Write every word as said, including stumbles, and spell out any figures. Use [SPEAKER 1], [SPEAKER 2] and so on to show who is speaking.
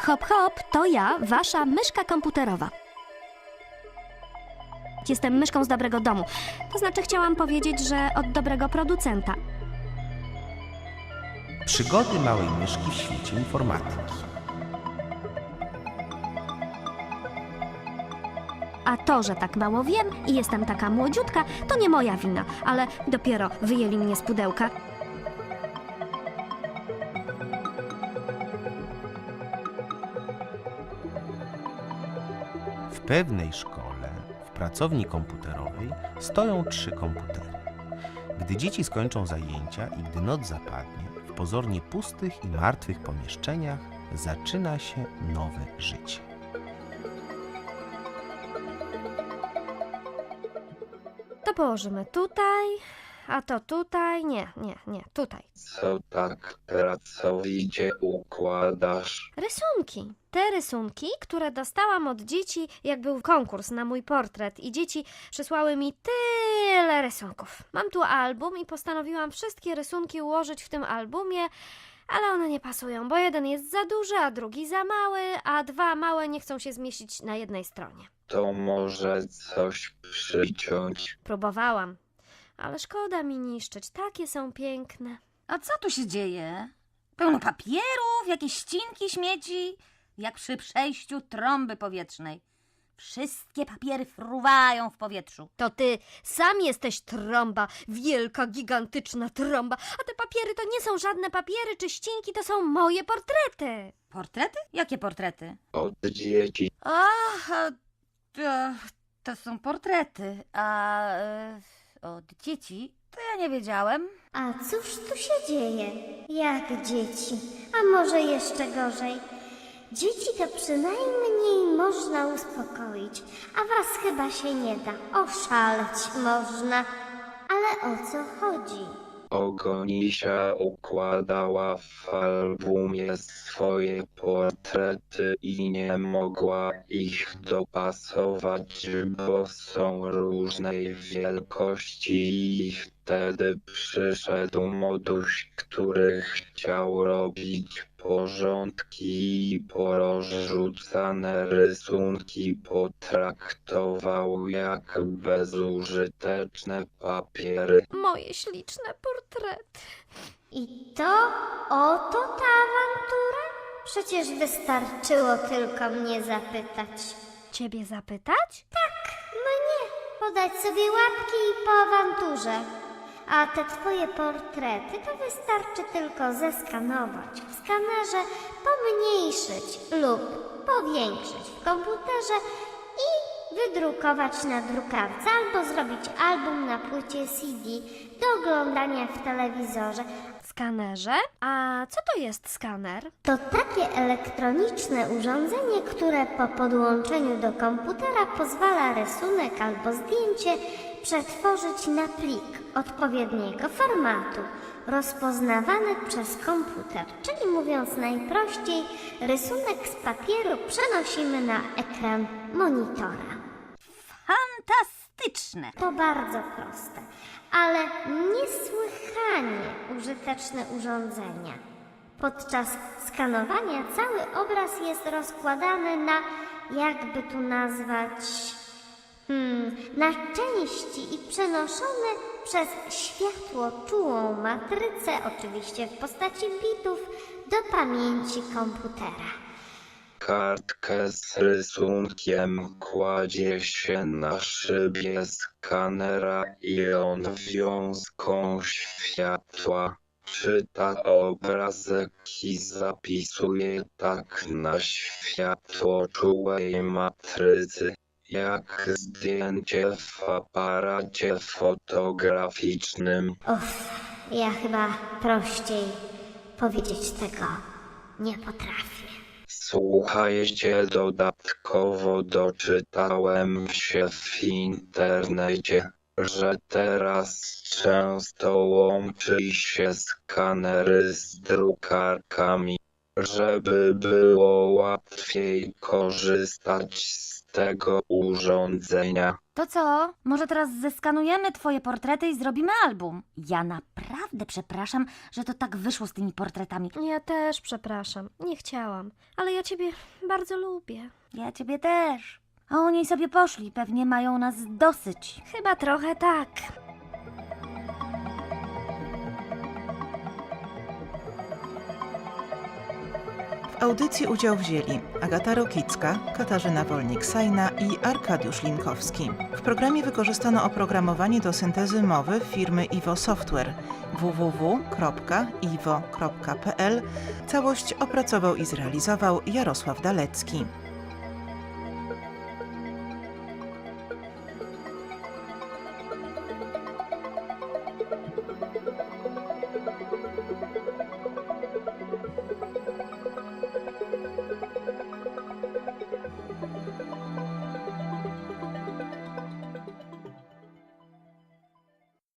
[SPEAKER 1] Hop, hop, to ja, wasza myszka komputerowa. Jestem myszką z dobrego domu. To znaczy chciałam powiedzieć, że od dobrego producenta.
[SPEAKER 2] Przygody małej myszki w świecie informatyki.
[SPEAKER 1] A to, że tak mało wiem i jestem taka młodziutka, to nie moja wina, ale dopiero wyjęli mnie z pudełka.
[SPEAKER 2] W pewnej szkole, w pracowni komputerowej, stoją trzy komputery. Gdy dzieci skończą zajęcia i gdy noc zapadnie, w pozornie pustych i martwych pomieszczeniach zaczyna się nowe życie.
[SPEAKER 1] To położymy tutaj, a to tutaj. Nie, nie, nie, tutaj.
[SPEAKER 3] Co tak pracowicie układasz?
[SPEAKER 1] Rysunki. Te rysunki, które dostałam od dzieci, jak był konkurs na mój portret i dzieci przysłały mi tyle rysunków. Mam tu album i postanowiłam wszystkie rysunki ułożyć w tym albumie, ale one nie pasują, bo jeden jest za duży, a drugi za mały, a dwa małe nie chcą się zmieścić na jednej stronie.
[SPEAKER 3] To może coś przyciąć?
[SPEAKER 1] Próbowałam, ale szkoda mi niszczyć, takie są piękne.
[SPEAKER 4] A co tu się dzieje? Pełno papierów, jakieś ścinki, śmieci, jak przy przejściu trąby powietrznej. Wszystkie papiery fruwają w powietrzu.
[SPEAKER 1] To ty sam jesteś trąba, wielka, gigantyczna trąba, a te papiery to nie są żadne papiery czy ścinki, to są moje portrety.
[SPEAKER 4] Portrety? Jakie portrety?
[SPEAKER 3] Od dzieci.
[SPEAKER 4] Ach, a to, to są portrety, a e, od dzieci to ja nie wiedziałem.
[SPEAKER 5] A cóż tu się dzieje? Jak dzieci? A może jeszcze gorzej? Dzieci to przynajmniej można uspokoić, a was chyba się nie da. Oszaleć można. Ale o co chodzi?
[SPEAKER 3] Ogonisia układała w albumie swoje portrety i nie mogła ich dopasować, bo są różnej wielkości i wtedy przyszedł moduś, który chciał robić porządki i porozrzucane rysunki potraktował jak bezużyteczne papiery.
[SPEAKER 1] Moje śliczne portrety.
[SPEAKER 5] I to oto ta awantura? Przecież wystarczyło tylko mnie zapytać.
[SPEAKER 1] Ciebie zapytać?
[SPEAKER 5] No nie, podać sobie łapki i po awanturze. A te twoje portrety to wystarczy tylko zeskanować w skanerze, pomniejszyć lub powiększyć w komputerze i wydrukować na drukarce albo zrobić album na płycie C D do oglądania w telewizorze.
[SPEAKER 1] Skanerze? A co to jest skaner?
[SPEAKER 5] To takie elektroniczne urządzenie, które po podłączeniu do komputera pozwala rysunek albo zdjęcie przetworzyć na plik odpowiedniego formatu, rozpoznawany przez komputer. Czyli mówiąc najprościej, rysunek z papieru przenosimy na ekran monitora.
[SPEAKER 4] Fantastyczne!
[SPEAKER 5] To bardzo proste, ale niesłychanie użyteczne urządzenia. Podczas skanowania cały obraz jest rozkładany na, jakby tu nazwać, hmm, na części i przenoszony przez światłoczułą matrycę, oczywiście w postaci bitów, do pamięci komputera.
[SPEAKER 3] Kartkę z rysunkiem kładzie się na szybie skanera i on wiązką światła czyta obrazek i zapisuje tak na światłoczułej matrycy, jak zdjęcie w aparacie fotograficznym.
[SPEAKER 5] Uff, ja chyba prościej powiedzieć tego nie potrafię.
[SPEAKER 3] Słuchajcie, dodatkowo doczytałem się w internecie, że teraz często łączy się skanery z drukarkami. żeby było łatwiej korzystać z tego urządzenia.
[SPEAKER 4] To co? Może teraz zeskanujemy twoje portrety i zrobimy album? Ja naprawdę przepraszam, że to tak wyszło z tymi portretami.
[SPEAKER 1] Ja też przepraszam, nie chciałam, ale ja ciebie bardzo lubię.
[SPEAKER 4] Ja ciebie też. A oni sobie poszli, pewnie mają nas dosyć.
[SPEAKER 1] Chyba trochę tak.
[SPEAKER 6] W audycji udział wzięli Agata Rokicka, Katarzyna Wolnik-Sajna i Arkadiusz Linkowski. W programie wykorzystano oprogramowanie do syntezy mowy firmy Iwo Software w w w kropka iwo kropka p l. Całość opracował i zrealizował Jarosław Dalecki.